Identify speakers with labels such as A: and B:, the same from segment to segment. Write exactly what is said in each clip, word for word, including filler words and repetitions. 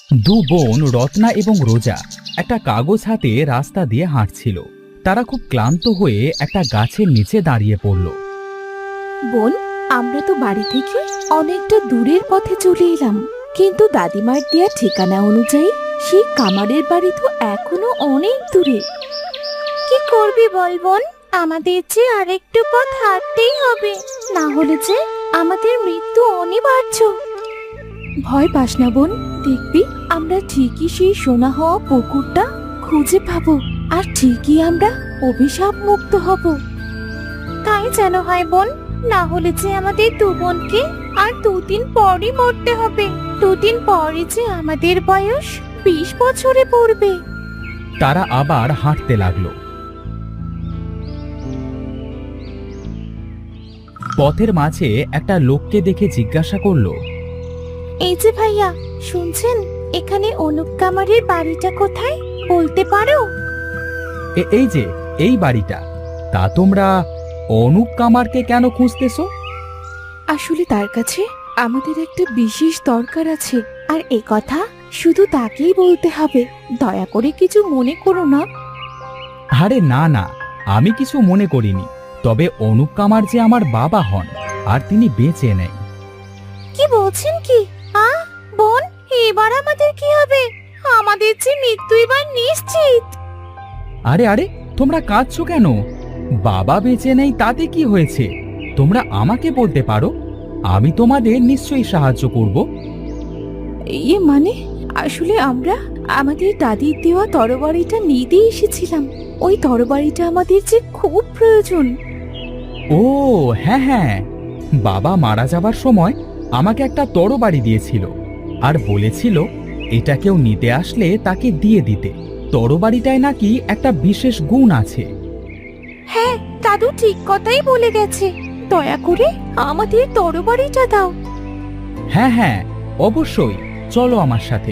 A: দু বোন রত্না এবং রোজা একটা কাগজ হাতে রাস্তা দিয়ে হাঁটছিল। তারা খুব ক্লান্ত হয়ে একটা গাছের নিচে দাঁড়িয়ে পড়ল।
B: বোন, আমরা তো বাড়ি থেকে অনেকটা দূরের পথে চলে এলাম, কিন্তু দাদিমার দেয়া ঠিকানা অনুযায়ী সেই কামারের বাড়ি তো এখনো অনেক দূরে। কি করবি বল বোন, আমাদের যে আরেকটু পথ হাঁটতেই হবে, না হলে যে আমাদের মৃত্যু অনিবার্য। ভয় পাস না বোন, দেখবি আমরা ঠিকই সেই সোনা হওয়া পুকুরটা খুঁজে পাবো, আর ঠিকই আমরা অভিশাপ মুক্ত হব। তাই যেন হয় বোন, না হলে যে আমাদের দু বোনকে আর দুদিন পরই মরতে হবে। দুদিন পরে যে আমাদের বয়স বিশ বছরে পড়বে।
A: তারা আবার হাঁটতে লাগলো। পথের মাঝে একটা লোককে দেখে জিজ্ঞাসা করলো,
B: এই যে ভাইয়া, শুনছেন এখানে অনুপ কামারের বাড়িটা কোথায় বলতে পারো?
A: "এ- এই যে এই বাড়িটা। তা তোমরা অনুপ কামারকে কেন খুঁজতেছো?"
B: আসলে তার কাছে আমাদের একটা বিশেষ দরকার আছে, আর এ কথা শুধু তাকেই বলতে হবে। দয়া করে কিছু মনে করো না।
A: আরে না না, আমি কিছু মনে করিনি। তবে অনুপ কামার যে আমার বাবা হন, আর তিনি বেঁচে নেই।
B: কি বলছেন কি? আ বোন, এবার আমাদের কি হবে? আমাদের যে মৃত্যু এবার নিশ্চিত।
A: আরে আরে, তোমরা কাঁদছো কেন? বাবা বেঁচে নেই তাতে কি হয়েছে? তোমরা আমাকে বলতে পারো, আমি তোমাদের নিশ্চয়ই সাহায্য করব।
B: ইয়ে মানে, আসলে আমরা আমাদের দাদির দেওয়া তরবারিটা নিতে এসেছিলাম। ওই তরবারিটা আমাদের যে খুব প্রয়োজন।
A: ও হ্যাঁ হ্যাঁ, বাবা মারা যাবার সময় আমাকে একটা তরবারি দিয়েছিল, আর বলেছিল এটা কেউ নিতে আসলে তাকে দিয়ে দিতে। তরবারিটায় নাকি একটা বিশেষ গুণ আছে।
B: হ্যাঁ, দাদু ঠিক কথাই বলে গেছে। দয়া করে আমাদের তরবারিটা দাও।
A: হ্যাঁ হ্যাঁ, অবশ্যই, চলো আমার সাথে।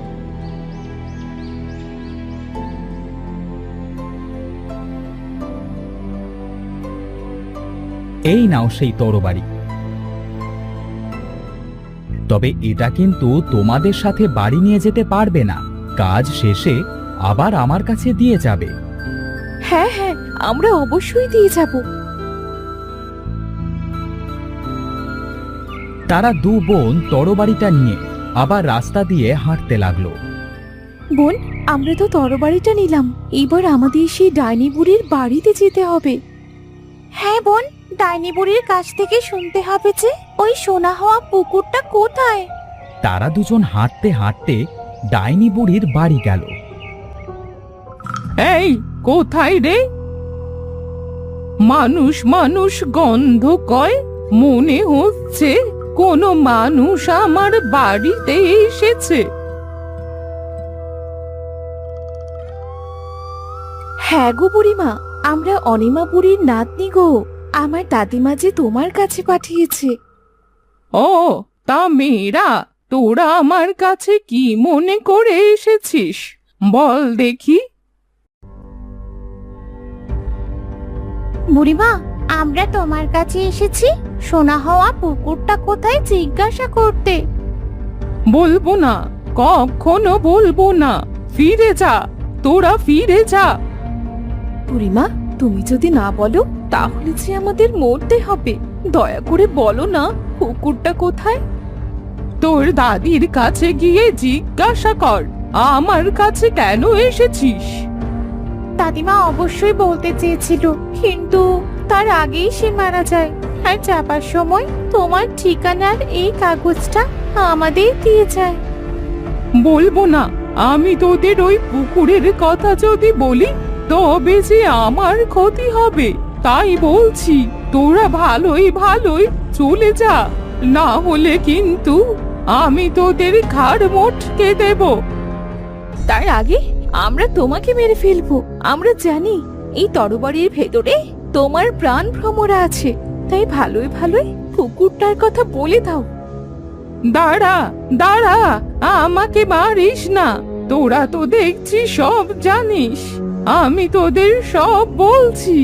A: এই নাও সেই তরবারি। তবে এটা কিন্তু তোমাদের সাথে বাড়ি নিয়ে যেতে পারবে না। কাজ শেষে আবার আমার কাছে দিয়ে যাবে।
B: হ্যাঁ হ্যাঁ, আমরা অবশ্যই দিয়ে যাব।
A: তারা দু বোন তরবারিটা নিয়ে আবার রাস্তা দিয়ে হাঁটতে লাগলো।
B: বোন, আমরা তো তরবারিটা নিলাম, এবার আমাদের সেই ডাইনি বুড়ির বাড়িতে যেতে হবে। হ্যাঁ বোন, ডাইনি বুড়ির কাছ থেকে শুনতে হবে যে ওই সোনা হওয়া পুকুরটা কোথায়।
A: তারা দুজন হাঁটতে হাঁটতে ডাইনি বুড়ির বাড়ি গেল।
C: এই কোথায় রে? মানুষ মানুষ গন্ধ কয়, মনে হচ্ছে কোনো মানুষ আমার বাড়িতে এসেছে।
B: হ্যাঁ গো বুড়িমা, আমরা অনিমা বুড়ির নাতনি গো। আমার দাদিমা যে তোমার কাছে পাঠিয়েছে।
C: ও, তা মেয়েরা, তোরা আমার কাছে কি মনে করে এসেছিস বল দেখি।
B: বুড়িমা, আমরা তোমার কাছে এসেছি সোনা হওয়া পুকুরটা কোথায় জিজ্ঞাসা করতে।
C: বলবো না, কখনো বলবো না। ফিরে যা, তোরা ফিরে যা।
B: বুড়িমা, তুমি যদি না বলো তাহলে যে আমাদের মরতে হবে। দয়া করে বলো না, পুকুরটা কোথায়।
C: তোর দাদির কাছে গিয়ে জিজ্ঞাসা কর, আমার কাছে কেন এসেছিস।
B: দাদিমা অবশ্যই বলতে চেয়েছিল, কিন্তু তার আগেই সে মারা যায়। আর যাবার সময় তোমার ঠিকানার এই কাগজটা আমাদের দিয়ে যায়।
C: বলবো না। আমি তোদের ওই পুকুরের কথা যদি বলি তবে যে আমার ক্ষতি হবে। তাই বলছি, তোরা ভালোই ভালোই চলে যা, না হলে কিন্তু আমি তোদের ঘাড় মোটকে দেব।
B: তার আগে আমরা তোমাকে মেরে ফেলবো। আমরা জানি এই তরবারির ভেতরে তোমার প্রাণ ভ্রমরা আছে, তাই ভালোই ভালোই পুকুরটার কথা বলে দাও।
C: দাঁড়া দাঁড়া, আমাকে মারিস না। তোরা তো দেখছি সব জানিস, আমি তোদের সব বলছি।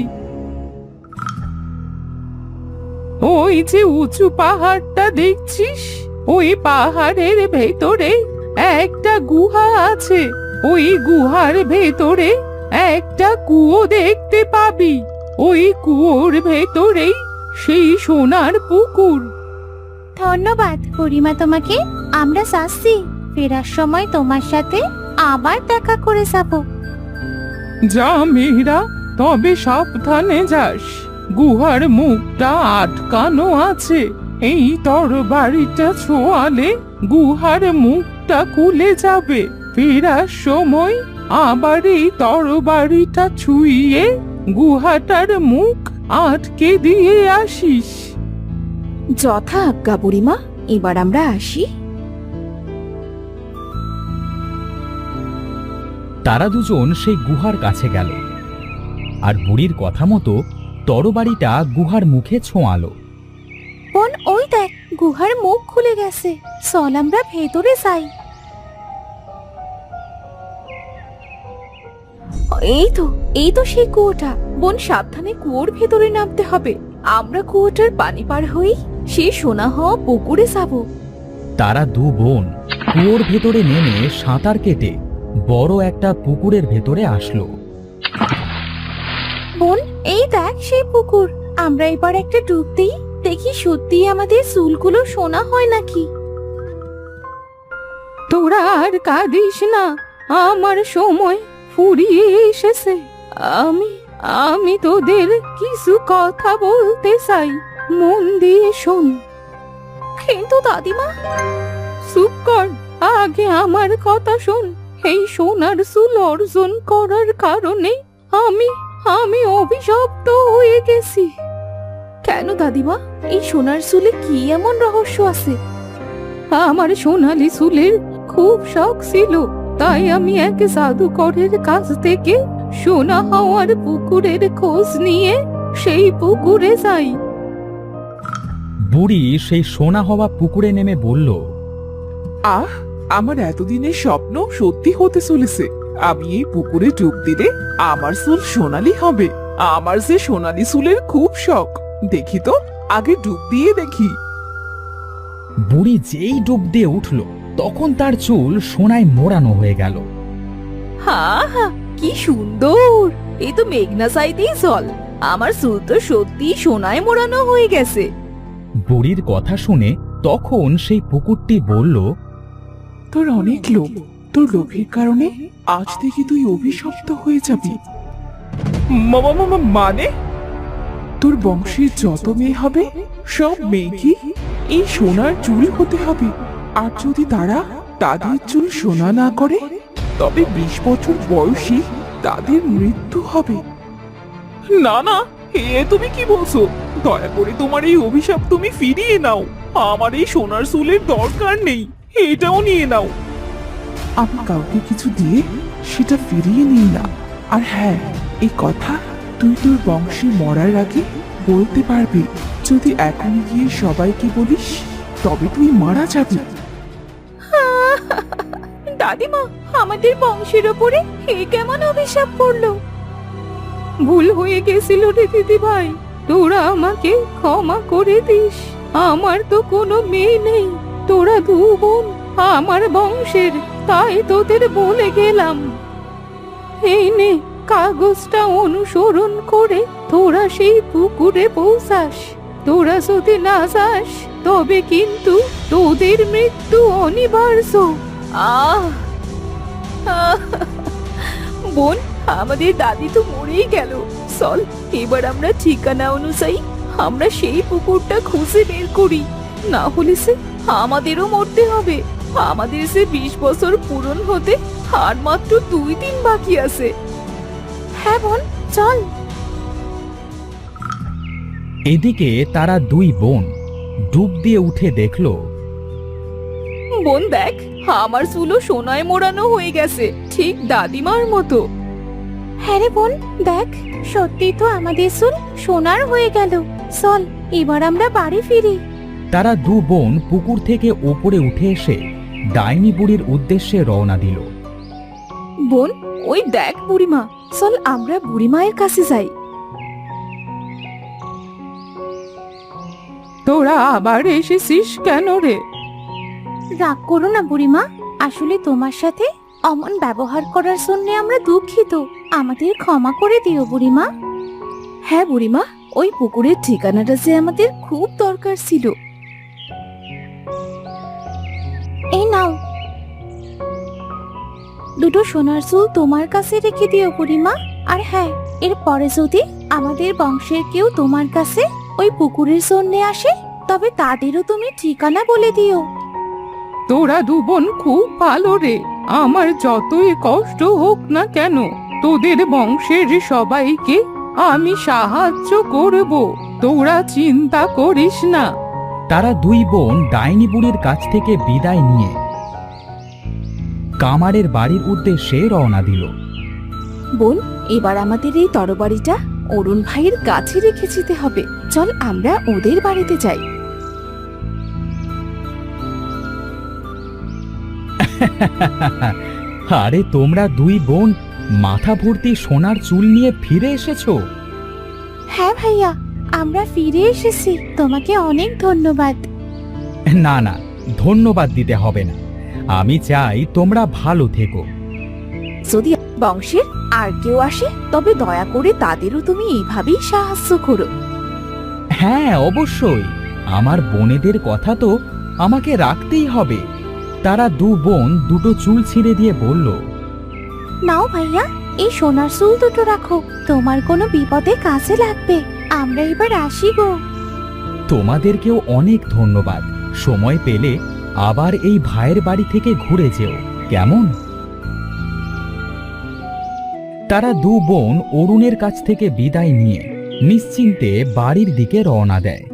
C: ওই যে উঁচু পাহাড়টা দেখছিস, ওই পাহাড়ের ভেতরে একটা গুহা আছে। ওই গুহার ভেতরে একটা কুয়ো দেখতে পাবি। ওই কুয়োর ভেতরেই সেই সোনার পুকুর।
B: ধন্যবাদ বুড়িমা তোমাকে। আমরা যাচ্ছি, ফেরার সময় তোমার সাথে আবার দেখা করে যাব।
C: যা মেয়েরা, তবে সাবধানে যাস। গুহার মুখটা আটকানো আছে। এই তরবারিটা ছোঁয়ালে গুহার মুখটা খুলে যাবে। ফেরার সময় আবার এই তরবারিটা ছুঁয়ে গুহাটার মুখ আটকে দিয়ে আসিস।
B: যথা আজ্ঞা বুড়িমা, এবার আমরা আসি।
A: তারা দুজন সেই গুহার কাছে গেল আর বুড়ির কথা মতো তরবারিটা গুহার মুখে ছোঁয়ালো।
B: বোন, ওই দেখ, গুহার মুখ খুলে গেছে। চল আমরা ভেতরে যাই। এই তো এই তো সেই কুয়োটা। বোন, সাবধানে কুয়োর ভেতরে নামতে হবে। আমরা কুয়োটার পানি পার হই সেই সোনা হওয়া পুকুরে যাব।
A: তারা দু বোন কুয়োর ভেতরে নেমে সাঁতার কেটে বড় একটা পুকুরের ভেতরে আসলো।
B: বোন, এই দেখ সেই পুকুর। আমরা এবার একটা ডুব দিই, দেখি সত্যি আমাদের চুলগুলো সোনা হয় নাকি।
C: তোরা আর কাঁদিস না, আমার সময় ফুরিয়ে এসেছে। আমি আমি তোদের কিছু কথা বলতে চাই, মন দিয়ে শোন।
B: কিন্তু দাদিমা।
C: চুপ কর, আগে আমার কথা শোন। এই সোনার চুল অর্জন করার কারণে আমি আমি অভিশপ্ত হয়ে গেছি।
B: কেন দাদিমা? এই সোনার চুলে কি এমন রহস্য আছে?
C: আমার সোনালি চুলের খুব শখ ছিল, তাই আমি এক জাদুকরের কাছ থেকে সোনা হওয়ার পুকুরের খোঁজ নিয়ে সেই পুকুরে যাই।
A: বুড়ি সেই সোনা হওয়া পুকুরে নেমে বলল,
D: আহ, আমার এতদিনের স্বপ্ন সত্যি হতে চলেছে। আমি এই পুকুরে ডুব দিলে আমার চুল সোনালি হবে। আমার যে সোনালি চুলের খুব শখ। দেখি তো, আগে ডুব দিয়ে দেখি।
A: বুড়ি যেই ডুব দিয়ে উঠল তখন তার চুল সোনায় মোড়ানো হয়ে গেল।
B: হা হা, কি সুন্দর! এই তো মেঘনা চাইতেই জল। আমার চুল তো সত্যি সোনায় মোড়ানো হয়ে গেছে।
A: বুড়ির কথা শুনে তখন সেই পুকুরটি বলল,
D: তোর অনেক লোভ। তোর লোভের কারণে আজ থেকে তুই অভিশপ্ত হয়ে যাবি। মামা মামা মানে? তোর বংশের যত মেয়ে হবে সব মেয়েকে এই সোনার চুল হতে হবে। আর যদি তারা তাদের চুল সোনা না করে, তবে বিশ বছর বয়সী তাদের মৃত্যু হবে। না না, এ তুমি কি বলছো? দয়া করে তোমার এই অভিশাপ তুমি ফিরিয়ে নাও। আমার এই সোনার চুলের দরকার নেই, এটাও নিয়ে নাও। আমি কাউকে কিছু দিয়ে সেটা ফিরিয়ে নিই না। আর হ্যাঁ, এই কথা তুই তোর বংশে মরার আগে বলতে পারবি। যদি এখন গিয়ে সবাইকে বলিস, তবে তুই মারা যাবি।
B: দাদিমা, আমাদের বংশের ওপরে এ কেমন অভিশাপ পড়লো?
C: ভুল হয়ে গেছিল রে দিদি ভাই, তোরা আমাকে ক্ষমা করে দিস। আমার তো কোনো মেয়ে নেই, তোরা দু বোন আমার বংশের, তাই তোদের বলে গেলাম। এই নে, কাগজটা অনুসরণ করে তোরা সেই পুকুরে পৌঁছাস। তোরা যদি না যাস তবে কিন্তু তোদের মৃত্যু অনিবার্য।
B: আহ আহ! বোন, আমাদের দাদি তো মরেই গেল। চল, এবার আমরা ঠিকানা অনুযায়ী আমরা সেই পুকুরটা খুঁজে বের করি। না হলে সে আমাদেরও মরতে হবে। আমাদের সে বিশ বছর পূরণ হতে আর মাত্র দুই দিন বাকি আছে। হ্যাঁ বোন, চল।
A: এদিকে তারা দুই বোন ডুব দিয়ে উঠে দেখল,
B: বোন দেখ, আমার চুলও সোনায় মোড়ানো হয়ে গেছে, ঠিক দাদিমার মতো। হ্যাঁ রে বোন, দেখ, সত্যি তো আমাদের চুল সোনার হয়ে গেল। চল, এবার আমরা বাড়ি ফিরি।
A: তারা দু বোন পুকুর থেকে ওপরে উঠে এসে ডাইনি বুড়ির উদ্দেশ্যে রওনা দিল।
B: বোন, ওই দেখ বুড়িমা। চল আমরা বুড়িমায়ের কাছে যাই।
C: তোরা আবার এসেছিস কেন রে?
B: রাগ করো না বুড়িমা, আসলে তোমার সাথে অমন ব্যবহার করার জন্য আমরা দুঃখিত। আমাদের ক্ষমা করে দিও বুড়িমা। হ্যাঁ বুড়িমা, ওই পুকুরের ঠিকানাটা যে আমাদের খুব দরকার ছিল। এই নাও, দুটো সোনার চুল তোমার কাছে রেখে দিও বুড়িমা। আর হ্যাঁ, এর পরে যদি আমাদের বংশের কেউ তোমার কাছে ওই পুকুরের জন্য আসে, তবে তাদেরও তুমি ঠিকানা বলে দিও।
C: তোরা দু বোন খুব ভালো রে। আমার যতই কষ্ট হোক না কেন, তোদের বংশের সবাইকে আমি সাহায্য করব, তোরা চিন্তা করিস না।
A: তারা দুই বোন ডাইনি বুড়ির কাছ থেকে বিদায় নিয়ে কামারের বাড়ির উদ্দেশ্যে রওনা দিল।
B: বোন, এবার আমাদের এই তরবারিটা অরুণ ভাইয়ের কাছে রেখে যেতে হবে। চল আমরা ওদের বাড়িতে যাই।
A: আরে তোমরা দুই বোন মাথা ভর্তি সোনার চুল নিয়ে ফিরে এসেছো?
B: হ্যাঁ ভাইয়া, আমরা ফিরে এসেছি। তোমাকে অনেক ধন্যবাদ।
A: না না, ধন্যবাদ দিতে হবে না। আমি চাই তোমরা ভালো থেকো।
B: যদি বংশের আর কেউ আসে, তবে দয়া করে তাদেরও তুমি এইভাবেই সাহায্য করো।
A: হ্যাঁ অবশ্যই, আমার বোনেদের কথা তো আমাকে রাখতেই হবে। তারা দু বোন দুটো চুল ছিঁড়ে দিয়ে বলল,
B: নাও ভাইয়া, এই সোনার চুল দুটো রাখো, তোমার কোনো বিপদে কাজে লাগবে। আমরা এবার আসি গো।
A: তোমাদেরকেও অনেক ধন্যবাদ। সময় পেলে আবার এই ভাইয়ের বাড়ি থেকে ঘুরে যেও, কেমন? তারা দু বোন অরুণের কাছ থেকে বিদায় নিয়ে নিশ্চিন্তে বাড়ির দিকে রওনা দেয়।